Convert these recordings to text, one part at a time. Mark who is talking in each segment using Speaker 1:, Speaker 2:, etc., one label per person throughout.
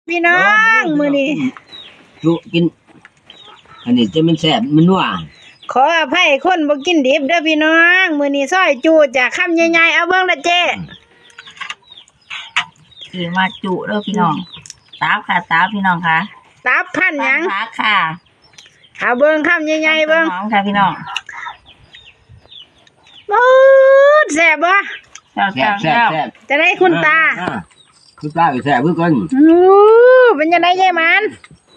Speaker 1: พี่น้องมื้อนี้
Speaker 2: จุกินอันนี้จะมันแซ่บมันนัว
Speaker 1: ขออภัยคนบ่กินดิบเด้อพี่น้องมื้อนี้ซอยจูจากคำใหญ่ๆเอาเบิ่งละเจ้
Speaker 3: คือมาจุเด้อพี่น้องตาค่ะตาพี่น้องค่ะ
Speaker 1: ตับพันหยัง
Speaker 3: ค่ะ
Speaker 1: เอาเบิ่งคำใหญ่ๆเบิ่ง
Speaker 3: น้องค่ะพี่น้อง
Speaker 1: แซ่บบ่
Speaker 3: แซ่บ
Speaker 1: จะได้คุณตา
Speaker 2: คุณตาก็แซ่บเพิ่นกัน
Speaker 1: เป็นจังได๋ยายหมาน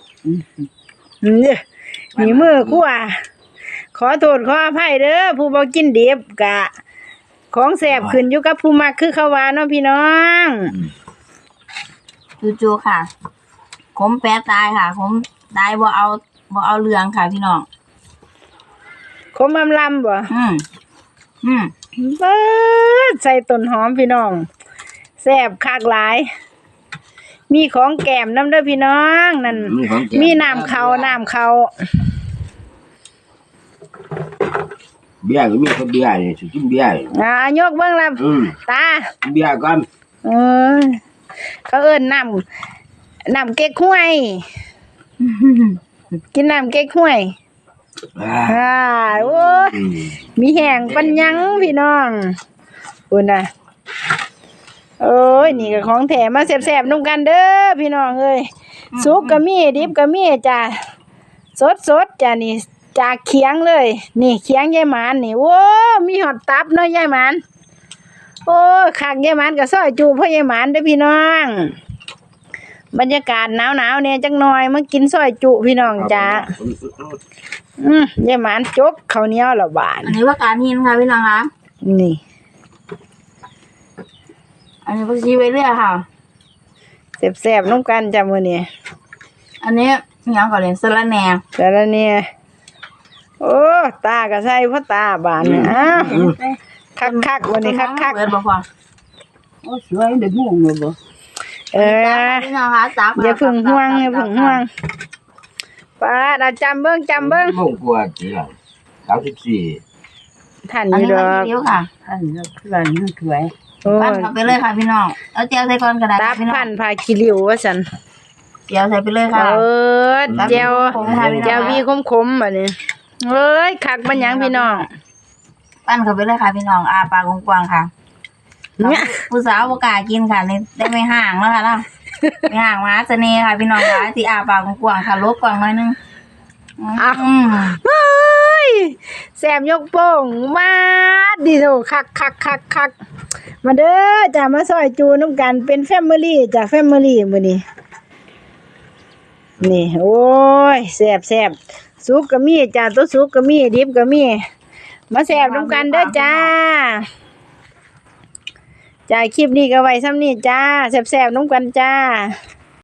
Speaker 1: นี่มือคั่วขอโทษขออภัยเด้อผู้บ่กินดิบกะของแซ่บขึ้นอยู่กับผู้มักคือเขาว่าเนาะพี่น้อง
Speaker 3: จูค่ะขมแปะตายค่ะขมตายบ่เอาเรื่องค่ะพี่น้อง
Speaker 1: ขมอำลำบ่ใส่ต้นหอมพี่น้องแซ่บคักหลายมีของแก้มน้ำเด้อพี่น้องนั่นมีน้ำเขา
Speaker 2: เบียร์ก็มีคนเบียร์นี่สิกินเบียร์
Speaker 1: ยกเบิ่งล่ะตา
Speaker 2: เบียร์ก่อน
Speaker 1: เขาเอิ้นน้ำเก๊กฮวยกินน้ำเก๊กฮวยโอ้ยมีแห้งปัญญังพี่น้องอุ่นน่ะโอ้ยนี่ก็ของแถมมาแซ่บๆนุ่มกันเด้อพี่น้องเอ้ยสุกก็มีดิบก็มีจ้ะสดจ้ะนี่จากเคียงเลยนี่เคียงยายหมานนี่โอ้มีหอดตับเนาะยายหมานโอ้คักยายหมานก็ซอยจูพ่อยายหมานเด้อพี่น้องบรรยากาศหนาวๆเนี่ยจังหน่อยมากินซอยจุพี่น้องจ้ะยายหมานจกข้าวเหนียวละบาท
Speaker 3: อันนี้ว่าการหินค่ะพี่น้องคะ
Speaker 1: นี่
Speaker 3: อันนี้ผักชีไว้เรื่อยค่ะ
Speaker 1: แซ่บๆนุ่มกันจ้ะมื้อนี้
Speaker 3: อันนี้ยังก่อนเลยสะระแหน่
Speaker 1: โอ้ตาก็ใส่พ่อตาบานเนี่ยคักวันนี้คัก
Speaker 3: เปิดบ่พอ
Speaker 2: โอ้สวยเด็กงงเลยบ่
Speaker 3: พี่น้องคะตัก
Speaker 1: อย่าพึ่งห่วงป้าจำเบิ่ง
Speaker 2: มงกว่าจีหลัง34
Speaker 1: ท่านอยู่ดอก
Speaker 3: ท่านอยู่สวยปั้นเข้าไปเลยค่ะพี่น้องเอาเจียวใส่ก่อนก็ได้
Speaker 1: พี่น้องปั้นพาขี้ริ้วว่าซั่น
Speaker 3: เจียวใส่ไปเลยค่ะ
Speaker 1: เจียววีคมๆบัดนี้เอ้ยคักมันหยังพี่น้อง
Speaker 3: ปั้นเข้าไปเลยค่ะพี่น้องปากกว้างๆค่ะผู้สาวบ่กล้ากินค่ะนี่ได้ไม่ห่างแล้วค่ะเนาะไม่ห่างมาเสน่ห์ค่ะพี่น้องค่ะที่ปากกว้างๆค่ะลบกว้างหน่อยนึง
Speaker 1: แซมยกโป้งมาดิโถคักมาเด้อจ้ามาซอยจูน้ำกันเป็นแฟมิลี่จ้าแฟมิลี่มื้อนี้นี่โอ้ยแซ่บสุกก็มีจ้าตัวสุกก็มีดิบก็มีมาแซ่บน้ำกันเด้อจ้าคลิปนี้ก็ไว้ซ้ำนี้จ้าแซ่บน้ำกันจ้า